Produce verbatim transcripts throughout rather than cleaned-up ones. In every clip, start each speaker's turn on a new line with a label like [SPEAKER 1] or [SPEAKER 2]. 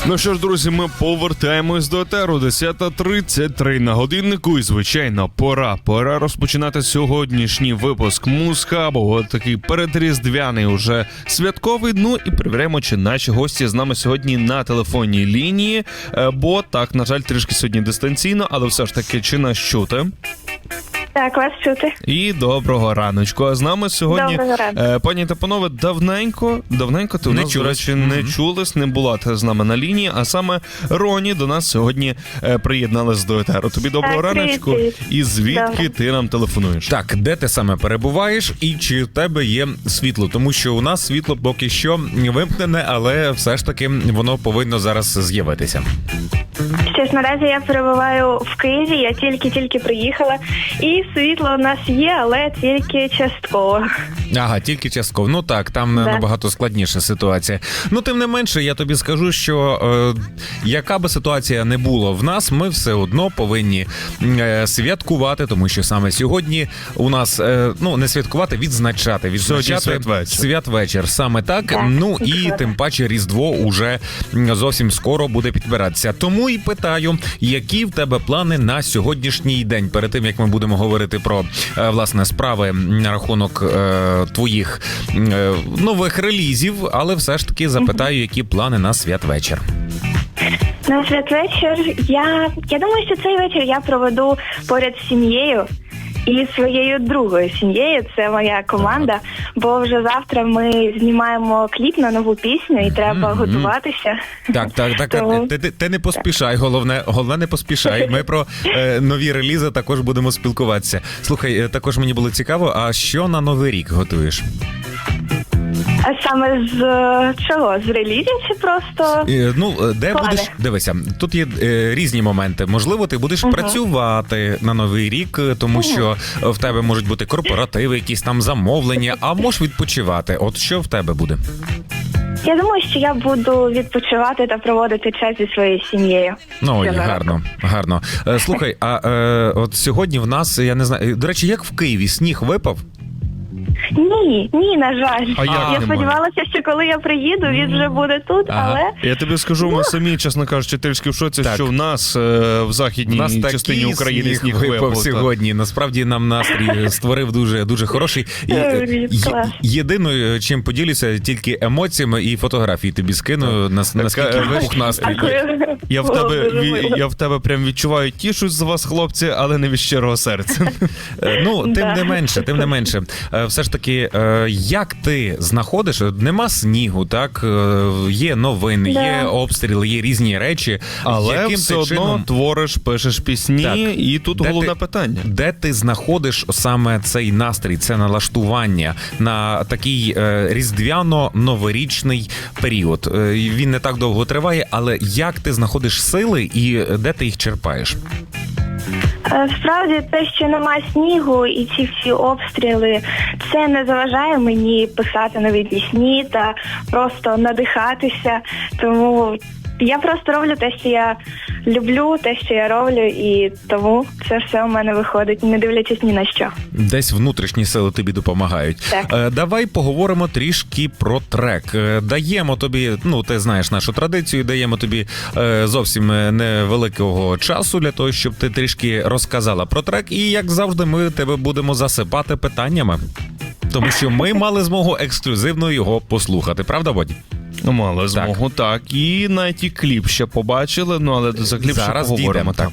[SPEAKER 1] Ну що ж, друзі, ми повертаємось до етеру. десята тридцять три на годиннику. І, звичайно, пора. Пора розпочинати сьогоднішній випуск Музхабу. От такий передріздвяний уже святковий. Ну і перевіряємо, чи наші гості з нами сьогодні на телефонній лінії. Бо так, на жаль, трішки сьогодні дистанційно, але все ж таки, чи нас чути?
[SPEAKER 2] Так, вас чути.
[SPEAKER 1] І доброго раночку. А з нами сьогодні, е, пані та панове, давненько, давненько ти у нас, до речі, не mm-hmm. чулись, не була ти з нами на лінії, а саме Роні до нас сьогодні е, приєдналась до етеру. Тобі доброго так, раночку. Привіт. І звідки Добре. ти нам телефонуєш?
[SPEAKER 3] Так, де ти саме перебуваєш і чи в тебе є світло? Тому що у нас світло поки що вимкнене, але все ж таки воно повинно зараз з'явитися.
[SPEAKER 2] Що ж, наразі я перебуваю в Києві, я тільки-тільки приїхала, і світло у нас є, але тільки частково.
[SPEAKER 3] Ага, тільки частково. Ну так, там да. набагато складніша ситуація. Ну, тим не менше, я тобі скажу, що е, яка би ситуація не була в нас, ми все одно повинні е, святкувати, тому що саме сьогодні у нас, е, ну, не святкувати, відзначати. Відзначати
[SPEAKER 1] святвечір.
[SPEAKER 3] святвечір. Саме так.
[SPEAKER 2] так
[SPEAKER 3] ну, і тим паче Різдво уже зовсім скоро буде підбиратися. Тому і питаю, які в тебе плани на сьогоднішній день? Перед тим, як ми будемо говорити про, власне, справи на рахунок е, твоїх е, нових релізів, але все ж таки запитаю, які плани на святвечір.
[SPEAKER 2] На святвечір я, я думаю, що цей вечір я проведу поряд з сім'єю. І своєю другою сім'єю, це моя команда, ага. бо вже завтра ми знімаємо кліп на нову пісню і треба mm-hmm. готуватися.
[SPEAKER 3] Так, так, так, Тому... ти, ти, ти не поспішай, головне, головне не поспішай. Ми про е, нові релізи також будемо спілкуватися. Слухай, також мені було цікаво, а що на Новий рік готуєш?
[SPEAKER 2] А саме з чого? З релізів чи просто?
[SPEAKER 3] Е, ну, де
[SPEAKER 2] плани?
[SPEAKER 3] будеш? Дивися, тут є е, різні моменти. Можливо, ти будеш uh-huh. працювати на Новий рік, тому uh-huh. що в тебе можуть бути корпоративи, якісь там замовлення, а можеш відпочивати. От що в тебе буде?
[SPEAKER 2] Я думаю, що я буду відпочивати та проводити час зі своєю сім'єю.
[SPEAKER 3] Ну, ой, гарно, гарно. Е, слухай, а е, от сьогодні в нас, я не знаю, до речі, як в Києві, сніг випав?
[SPEAKER 2] Ні, ні, на жаль.
[SPEAKER 1] А як
[SPEAKER 2] я
[SPEAKER 1] немає?
[SPEAKER 2] Сподівалася, що коли я приїду, він вже буде тут, ага. але...
[SPEAKER 1] Я тобі скажу, ми самі, чесно кажучи, трішки в шоці, так. що в нас е, в західній нас частині України сніг, сніг випав
[SPEAKER 3] сьогодні. Насправді нам настрій створив дуже, дуже хороший. Є, єдиною, чим поділюся, тільки емоціями і фотографії тобі скину, наскільки вибух настрій.
[SPEAKER 1] Я в тебе, я в тебе прям відчуваю, тішусь за вас, хлопці, але не від щирого серця.
[SPEAKER 3] Ну, тим не менше, тим не менше. Все ж таки, як ти знаходиш, нема снігу, так, є новини, да. є обстріли, є різні речі,
[SPEAKER 1] але
[SPEAKER 3] яким
[SPEAKER 1] все
[SPEAKER 3] ти
[SPEAKER 1] одно
[SPEAKER 3] чином...
[SPEAKER 1] твориш, пишеш пісні, так. і тут де головне ти, питання.
[SPEAKER 3] Де ти знаходиш саме цей настрій, це налаштування на такий е, різдвяно-новорічний період? Е, він не так довго триває, але як ти знаходиш сили і де ти їх черпаєш?
[SPEAKER 2] Справді, те, що немає снігу і ці всі обстріли, це не заважає мені писати нові пісні та просто надихатися. Тому я просто роблю те, що я люблю, те, що я роблю, і тому це все у мене виходить, не дивлячись ні на що.
[SPEAKER 3] Десь внутрішні сили тобі допомагають. Так. Давай поговоримо трішки про трек. Даємо тобі, ну, ти знаєш нашу традицію, даємо тобі зовсім невеликого часу для того, щоб ти трішки розказала про трек. І, як завжди, ми тебе будемо засипати питаннями. Тому що ми мали змогу ексклюзивно його послухати. Правда, Боді?
[SPEAKER 1] Мали змогу, так. так. І навіть і кліп ще побачили, ну але за кліп
[SPEAKER 3] зараз
[SPEAKER 1] ще поговоримо.
[SPEAKER 3] Так.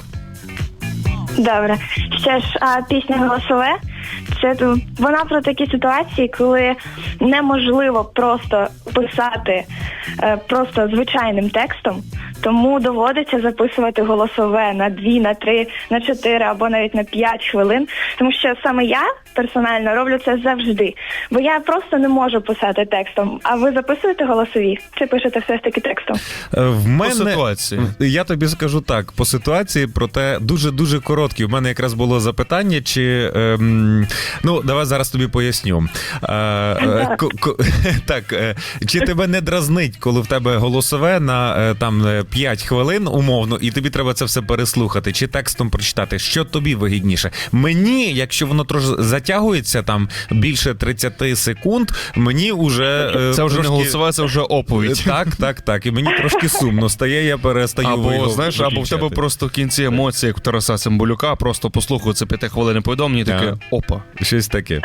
[SPEAKER 2] Добре. Ще ж, а пісня «Голосове» – це вона про такі ситуації, коли неможливо просто писати е, просто звичайним текстом, тому доводиться записувати голосове на дві, на три, на чотири або навіть на п'ять хвилин, тому що саме я персонально роблю це завжди, бо я просто не можу писати текстом. А ви записуєте голосові чи пишете все ж таки текстом?
[SPEAKER 3] В мене,
[SPEAKER 1] по ситуації.
[SPEAKER 3] Я тобі скажу так, по ситуації, проте дуже-дуже короткі. У мене якраз було запитання, чи... Ем, ну, давай зараз тобі поясню. Е, е, ко, ко, так, е, чи тебе не дразнить, коли в тебе голосове на, е, там, п'ять хвилин умовно, і тобі треба це все переслухати чи текстом прочитати. Що тобі вигідніше? Мені, якщо воно трошки затягується, там більше тридцять секунд, мені вже е,
[SPEAKER 1] Це вже
[SPEAKER 3] трошки...
[SPEAKER 1] не голосова, це вже оповідь.
[SPEAKER 3] Так, так, так. І мені трошки сумно стає, я перестаю
[SPEAKER 1] Або,
[SPEAKER 3] його
[SPEAKER 1] знаєш, або в тебе
[SPEAKER 3] виключати.
[SPEAKER 1] просто в кінці емоції, як у Тараса Цимбалюка, просто послухаю це п'ятихвилинне повідомлення і таке,
[SPEAKER 3] Так.
[SPEAKER 1] опа.
[SPEAKER 3] Щось таке.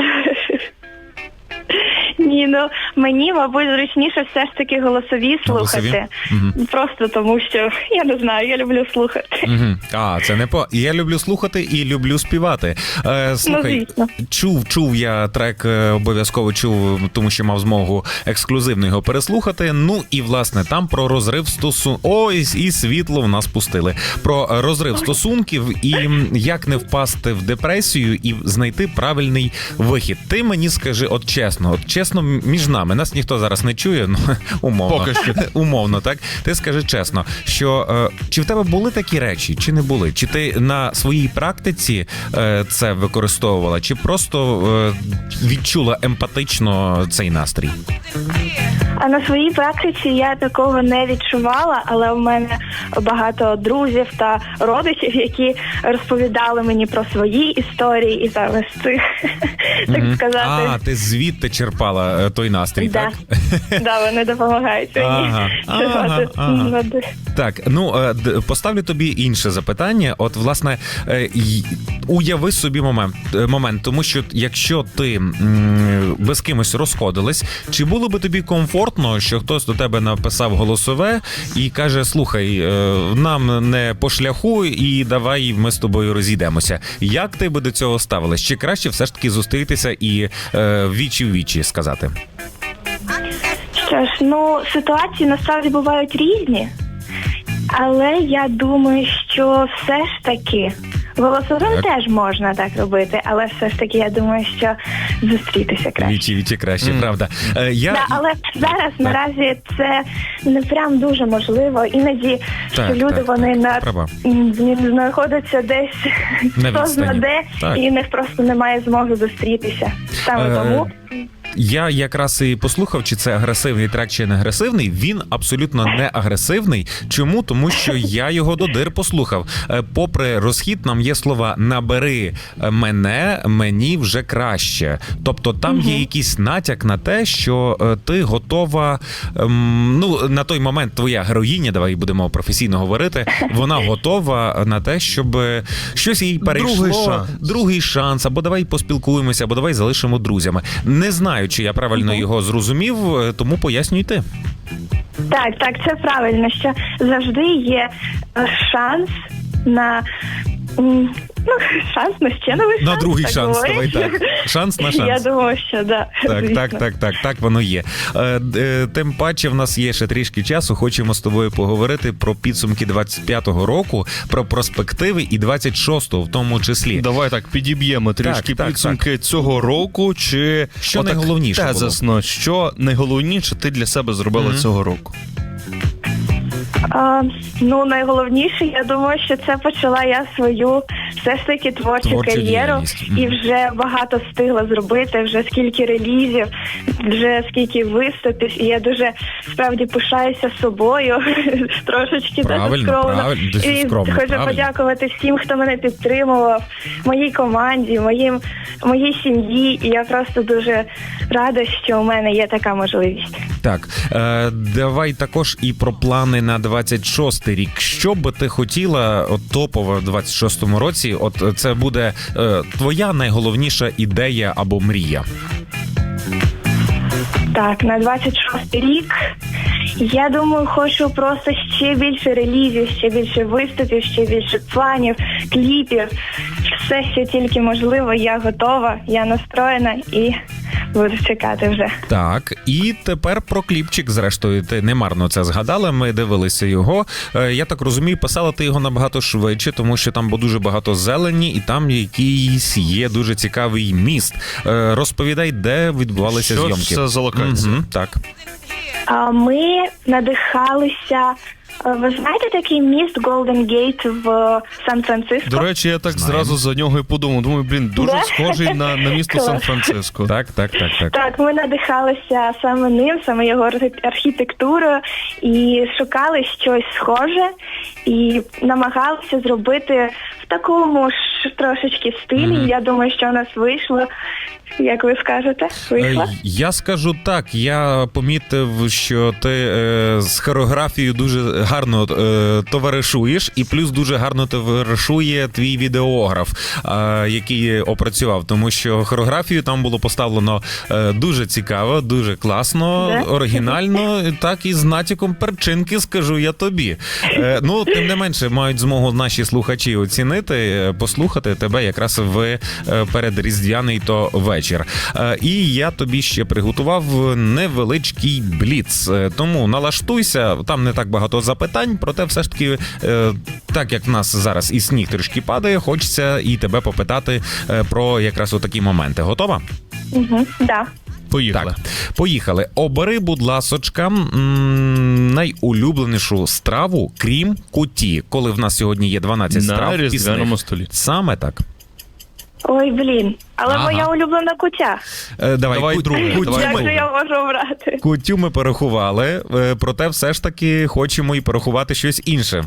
[SPEAKER 2] Ні, ну мені, мабуть, зручніше все ж таки голосові
[SPEAKER 3] Голосові?
[SPEAKER 2] слухати.
[SPEAKER 3] Мгм.
[SPEAKER 2] Просто тому, що я не знаю, я люблю слухати.
[SPEAKER 3] Угу. А, це не по. Я люблю слухати і люблю співати. Е, слухай,
[SPEAKER 2] звісно.
[SPEAKER 3] чув, чув я трек, е, обов'язково чув, тому що мав змогу ексклюзивно його переслухати. Ну і власне там про розрив стосунків. Ось і світло в нас пустили. Про розрив стосунків і м, як не впасти в депресію і знайти правильний вихід. Ти мені скажи, от чесно, от чесно між нами. Нас ніхто зараз не чує, ну умовно.
[SPEAKER 1] Поки що.
[SPEAKER 3] Умовно, так? Ти скажи чесно, що е, чи в тебе були такі речі, чи не були? Чи ти на своїй практиці е, це використовувала, чи просто е, відчула емпатично цей настрій?
[SPEAKER 2] А на своїй практиці я такого не відчувала, але в мене багато друзів та родичів, які розповідали мені про свої історії і зараз цих, так
[SPEAKER 3] Мгм.
[SPEAKER 2] сказати.
[SPEAKER 3] А, ти звідти черпала е, той настрій,
[SPEAKER 2] Да.
[SPEAKER 3] так?
[SPEAKER 2] Да, вони допомагають мені.
[SPEAKER 3] Ага, ага,
[SPEAKER 2] черпати
[SPEAKER 3] ага.
[SPEAKER 2] води.
[SPEAKER 3] Так, ну е, д- поставлю тобі інше запитання. От, власне, е, й- уяви собі момент, е, момент, тому що якщо ти м, ви з кимось розходились, чи було би тобі комфортно, що хтось до тебе написав голосове і каже: слухай, е, нам не по шляху, і давай ми з тобою розійдемося. Як ти би до цього ставилась? Чи краще все ж таки зустрітися і е, вічі в вічі сказати?
[SPEAKER 2] Що ж, ну, ситуації насправді бувають різні, але я думаю, що все ж таки голосовим
[SPEAKER 3] Так.
[SPEAKER 2] теж можна так робити, але все ж таки я думаю, що зустрітися краще.
[SPEAKER 3] Вічі вічі краще,
[SPEAKER 1] Мгм.
[SPEAKER 3] правда. Е, я...
[SPEAKER 2] Да, але зараз наразі це не прям дуже можливо. Іноді
[SPEAKER 3] Так,
[SPEAKER 2] що люди
[SPEAKER 3] так,
[SPEAKER 2] вони
[SPEAKER 3] так,
[SPEAKER 2] на
[SPEAKER 3] права.
[SPEAKER 2] м, знаходяться десь
[SPEAKER 3] На
[SPEAKER 2] хто
[SPEAKER 3] відстані.
[SPEAKER 2] знаде,
[SPEAKER 3] Так.
[SPEAKER 2] і в них просто немає змоги зустрітися. Саме
[SPEAKER 3] Е,
[SPEAKER 2] тому.
[SPEAKER 3] Я якраз і послухав, чи це агресивний трек, чи не агресивний. Він абсолютно не агресивний. Чому? Тому що я його до дир послухав. Е, Попри розхід, нам є слова «набери мене, мені вже краще». Тобто там є якийсь натяк на те, що е, ти готова, ем, ну, на той момент твоя героїня, давай будемо професійно говорити, вона готова на те, щоб щось їй перейшло.
[SPEAKER 1] Другий шанс.
[SPEAKER 3] Другий шанс, або давай поспілкуємося, або давай залишимо друзями. Не знаю, чи я правильно його зрозумів, тому пояснюй ти.
[SPEAKER 2] Так, так, це правильно, що завжди є е, шанс на м, ну, шанс на ще новий шанс.
[SPEAKER 3] На другий
[SPEAKER 2] так
[SPEAKER 3] шанс,
[SPEAKER 2] говорять.
[SPEAKER 3] давай так. Шанс на шанс.
[SPEAKER 2] Я думаю, що да.
[SPEAKER 3] Так,
[SPEAKER 2] звісно.
[SPEAKER 3] так, так, так, так воно є. Е, е, Тим паче, в нас є ще трішки часу. Хочемо з тобою поговорити про підсумки двадцять п'ятого року, про перспективи і двадцять шостого в тому числі.
[SPEAKER 1] Давай так підіб'ємо трішки
[SPEAKER 3] так,
[SPEAKER 1] підсумки цього року. Чи
[SPEAKER 3] Що
[SPEAKER 1] отак
[SPEAKER 3] найголовніше було?
[SPEAKER 1] тезисно, що найголовніше ти для себе зробила
[SPEAKER 3] Мгм.
[SPEAKER 1] цього року?
[SPEAKER 2] А, ну, найголовніше, я думаю, що це почала я свою все ж таки творчу
[SPEAKER 3] Творчу
[SPEAKER 2] кар'єру
[SPEAKER 3] діяльність. Мгм.
[SPEAKER 2] і вже багато встигла зробити, вже скільки релізів, вже скільки виступів, і я дуже справді пишаюся собою, трошечки
[SPEAKER 3] Правильно,
[SPEAKER 2] дуже скромно.
[SPEAKER 3] правильно, дуже
[SPEAKER 2] І
[SPEAKER 3] скромно,
[SPEAKER 2] хочу
[SPEAKER 3] правильно.
[SPEAKER 2] подякувати всім, хто мене підтримував, моїй команді, моїм, моїй сім'ї, і я просто дуже рада, що у мене є така можливість.
[SPEAKER 3] Так, е, давай також і про плани на двадцять шостий рік. Що би ти хотіла от, топово в двадцять шостому році? От це буде е, твоя найголовніша ідея або мрія.
[SPEAKER 2] Так, на двадцять шостий рік, я думаю, хочу просто ще більше релізів, ще більше виступів, ще більше планів, кліпів. Все, що тільки можливо, я готова, я настроєна і буду чекати вже.
[SPEAKER 3] Так, і тепер про кліпчик, зрештою, ти немарно це згадала, ми дивилися його. Е, Я так розумію, писала ти його набагато швидше, тому що там було дуже багато зелені, і там якийсь є дуже цікавий міст. Е, Розповідай, де відбувалися
[SPEAKER 1] Що
[SPEAKER 3] зйомки.
[SPEAKER 1] це за локація?
[SPEAKER 3] Мгм, так.
[SPEAKER 2] А ми надихалися Ви знаєте такий міст Golden Gate в Сан-Франциско?
[SPEAKER 1] До речі, я так
[SPEAKER 3] Знаємо.
[SPEAKER 1] зразу за нього і подумав. Думаю, блін, дуже
[SPEAKER 2] Да?
[SPEAKER 1] схожий на, на місто
[SPEAKER 2] Клас.
[SPEAKER 1] Сан-Франциско.
[SPEAKER 3] Так, так, так, так.
[SPEAKER 2] Так, ми надихалися саме ним, саме його архі- архітектурою, і шукали щось схоже, і намагалися зробити в такому ж трошечки стилі.
[SPEAKER 3] Мгм.
[SPEAKER 2] Я думаю, що у нас вийшло. Як ви скажете? Вийшло?
[SPEAKER 3] Е, Я скажу так, я помітив, що ти е, з хореографією дуже гарно е, товаришуєш, і плюс дуже гарно товаришує твій відеограф, е, який опрацював, тому що хореографію там було поставлено е, дуже цікаво, дуже класно,
[SPEAKER 2] Да?
[SPEAKER 3] оригінально, так і з натяком перчинки, скажу я тобі. Е, ну, тим не менше, мають змогу наші слухачі оцінити, е, послухати тебе якраз в е, передріздвяний то вечір. Е, І я тобі ще приготував невеличкий бліц. Е, Тому налаштуйся, там не так багато запитань, проте все ж таки, е, так як в нас зараз і сніг трішки падає, хочеться і тебе попитати е, про якраз отакі моменти. Готова?
[SPEAKER 2] Угу. Да.
[SPEAKER 1] Поїхали.
[SPEAKER 3] Так, поїхали. Обери, будь ласочка, м, найулюбленішу страву, крім куті, коли в нас сьогодні є дванадцять
[SPEAKER 1] На
[SPEAKER 3] страв
[SPEAKER 1] різдвяному
[SPEAKER 3] пісних.
[SPEAKER 1] столі.
[SPEAKER 3] Саме так.
[SPEAKER 2] Ой, блін. Але
[SPEAKER 3] Ага.
[SPEAKER 2] моя улюблена кутя.
[SPEAKER 3] Е, давай,
[SPEAKER 1] Давай
[SPEAKER 3] ку-
[SPEAKER 1] друге,
[SPEAKER 3] кутю,
[SPEAKER 1] давай
[SPEAKER 2] Як
[SPEAKER 3] ми,
[SPEAKER 2] же я можу обрати?
[SPEAKER 3] кутю ми порахували, е, проте все ж таки хочемо і порахувати щось інше.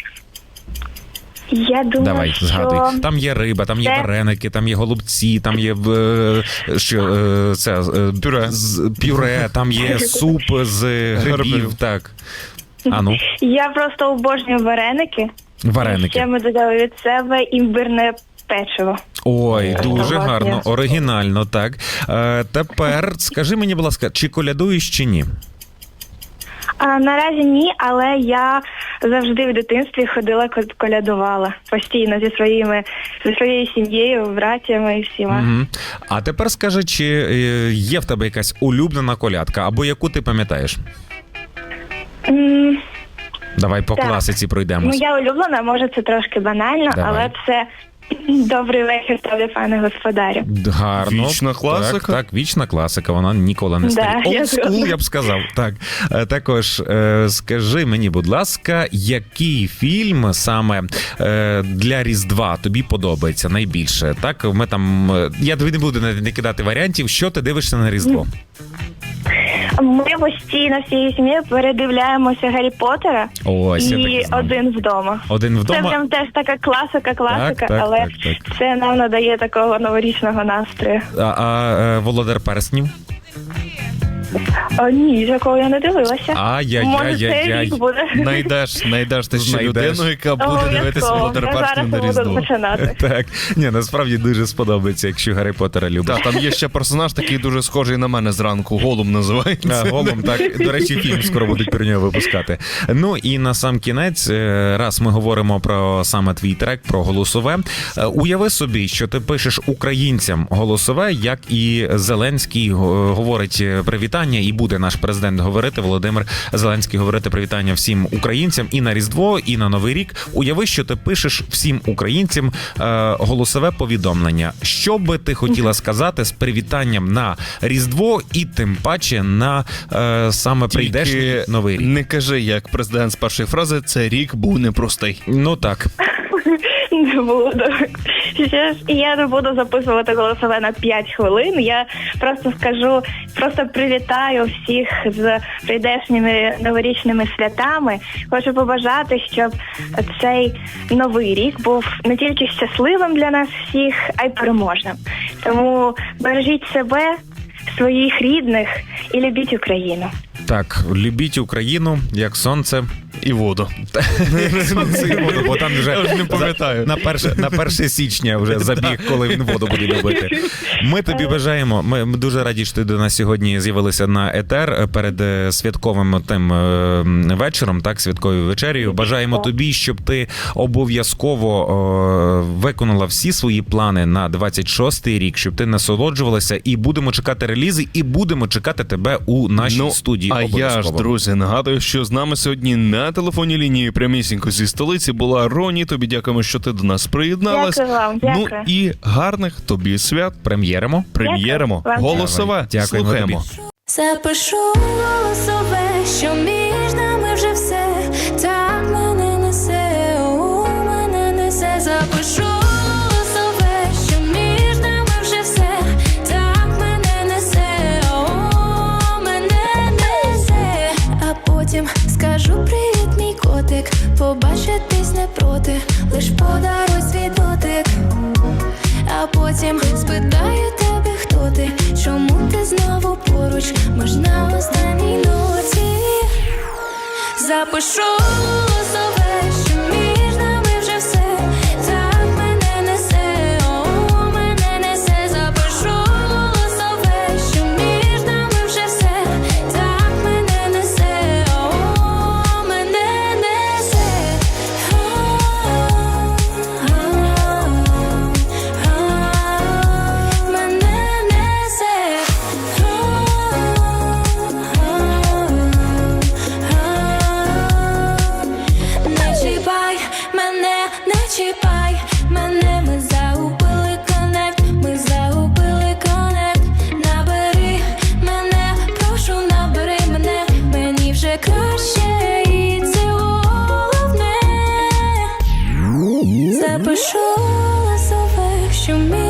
[SPEAKER 2] Я думаю,
[SPEAKER 3] Давай,
[SPEAKER 2] що...
[SPEAKER 3] згадуй. Там є риба, там є
[SPEAKER 2] Це-
[SPEAKER 3] вареники, там є голубці, там є е, що, е, це, е,
[SPEAKER 1] Пюре.
[SPEAKER 3] з- пюре, там є суп з грибів.
[SPEAKER 1] Грибів.
[SPEAKER 3] Так. А ну,
[SPEAKER 2] Я просто обожнюю вареники.
[SPEAKER 3] вареники.
[SPEAKER 2] Ще ми додали від себе імбирне печиво.
[SPEAKER 3] Ой, дуже
[SPEAKER 2] Власне.
[SPEAKER 3] гарно, оригінально, так. Е, тепер скажи мені, будь ласка, чи колядуєш, чи ні?
[SPEAKER 2] А наразі ні, але я завжди в дитинстві ходила, ко- колядувала постійно зі своїми зі своєю сім'єю, братями і всіма.
[SPEAKER 3] Угу. А тепер скажи, чи е, є в тебе якась улюблена колядка, або яку ти пам'ятаєш?
[SPEAKER 2] М,
[SPEAKER 3] Давай по
[SPEAKER 2] Так.
[SPEAKER 3] класиці пройдемось.
[SPEAKER 2] Моя улюблена, може, це трошки банально,
[SPEAKER 3] Давай.
[SPEAKER 2] але це добрий вечір тобі, пане господарю.
[SPEAKER 3] Гарно.
[SPEAKER 1] Вічна класика.
[SPEAKER 3] Так, так, вічна класика, вона ніколи не
[SPEAKER 2] Да,
[SPEAKER 3] старіє.
[SPEAKER 2] я
[SPEAKER 3] Old school,
[SPEAKER 2] згодна.
[SPEAKER 3] я б сказав. Так. Е, Також е, скажи мені, будь ласка, який фільм саме е, для Різдва тобі подобається найбільше? Так, ми там. е, Я тобі не буду не не кидати варіантів, що ти дивишся на Різдво.
[SPEAKER 2] Ми постійно всією сім'єю передивляємося Гаррі Поттера
[SPEAKER 3] Ось, я так і
[SPEAKER 2] і
[SPEAKER 3] знав.
[SPEAKER 2] один вдома.
[SPEAKER 3] Один
[SPEAKER 2] Це
[SPEAKER 3] вдома.
[SPEAKER 2] прям теж така класика, класика,
[SPEAKER 3] Так, так,
[SPEAKER 2] але
[SPEAKER 3] так, так.
[SPEAKER 2] це нам надає такого новорічного настрою.
[SPEAKER 3] А, а е, Володар Перснів?
[SPEAKER 2] О, ні, такого я не дивилася. Може,
[SPEAKER 3] Ай-яй-яй-яй-яй.
[SPEAKER 2] цей рік буде.
[SPEAKER 1] Найдеш, знайдеш ти ще
[SPEAKER 3] Знайдеш.
[SPEAKER 1] людину, яка буде дивитися
[SPEAKER 2] Обов'язково.
[SPEAKER 1] Володар
[SPEAKER 2] Я
[SPEAKER 1] Перснів
[SPEAKER 2] зараз
[SPEAKER 1] на
[SPEAKER 2] буду
[SPEAKER 1] Різдво.
[SPEAKER 2] починати.
[SPEAKER 3] Так, ні, насправді дуже сподобається, якщо Гаррі Поттера любиш.
[SPEAKER 1] Так, там є ще персонаж такий дуже схожий на мене зранку. Голум називається.
[SPEAKER 3] А, Голум, так. До речі, фільм скоро будуть про нього випускати. Ну і на сам кінець, е, раз ми говоримо про саме твій трек, про голосове. е, Уяви собі, що ти пишеш українцям голосове, як і Зеленський е, говорить привітання, і буде наш президент говорити, Володимир Зеленський говорити привітання всім українцям і на Різдво, і на Новий рік. Уяви, що ти пишеш всім українцям е, голосове повідомлення. Що би ти хотіла сказати з привітанням на Різдво і тим паче на е, саме прийдешній
[SPEAKER 1] Тільки
[SPEAKER 3] Новий рік?
[SPEAKER 1] не кажи, як президент з першої фрази, це рік був непростий.
[SPEAKER 3] Ну так.
[SPEAKER 2] Не буду. Ще ж я не буду записувати голосове на п'ять хвилин. Я просто скажу, просто привітаю всіх з прийдешніми новорічними святами. Хочу побажати, щоб цей новий рік був не тільки щасливим для нас всіх, а й переможним. Тому бережіть себе, своїх рідних і любіть Україну.
[SPEAKER 3] Так, любіть Україну, як сонце.
[SPEAKER 1] І воду.
[SPEAKER 3] Як сонце і воду, бо там вже
[SPEAKER 1] Я вже не пам'ятаю.
[SPEAKER 3] на перше, на перше січня вже забіг, коли він воду буде любити. Ми тобі бажаємо. Ми, ми дуже раді, що ти до нас сьогодні з'явилися на етер перед е, святковим тим е, вечором, так, святковою вечерею. Бажаємо тобі, щоб ти обов'язково е, виконала всі свої плани на двадцять шостий рік, щоб ти насолоджувалася, і будемо чекати релізи, і будемо чекати тебе у нашій
[SPEAKER 1] Ну,
[SPEAKER 3] студії.
[SPEAKER 1] а я ж,
[SPEAKER 3] обов'язково.
[SPEAKER 1] друзі, нагадую, що з нами сьогодні на телефонній лінії прямісінько зі столиці була Роні. Тобі дякуємо, що ти до нас приєдналась.
[SPEAKER 2] Дякую вам,
[SPEAKER 1] Ну
[SPEAKER 2] дякую.
[SPEAKER 1] і гарних тобі свят.
[SPEAKER 3] Прем'єримо.
[SPEAKER 1] Прем'єримо.
[SPEAKER 2] Дякую вам.
[SPEAKER 1] Голосове.
[SPEAKER 3] Давай. Дякуємо
[SPEAKER 1] Слухаємо.
[SPEAKER 3] тобі.
[SPEAKER 4] Запишу голосове, що між нами вже все. Та поруч, можна в останній ноті. Запишу голосове, що між нами вже все. Так мене несе, о, мене несе. Запишу голосове, що між нами вже все. Так мене несе, о, мене несе. Мене несе. Не чіпай мене, не чіпай мене, ми загубили коннект, ми загубили коннект. Набери мене, прошу, набери мене, мені вже краще, і це головне. Запишу голосове, що мій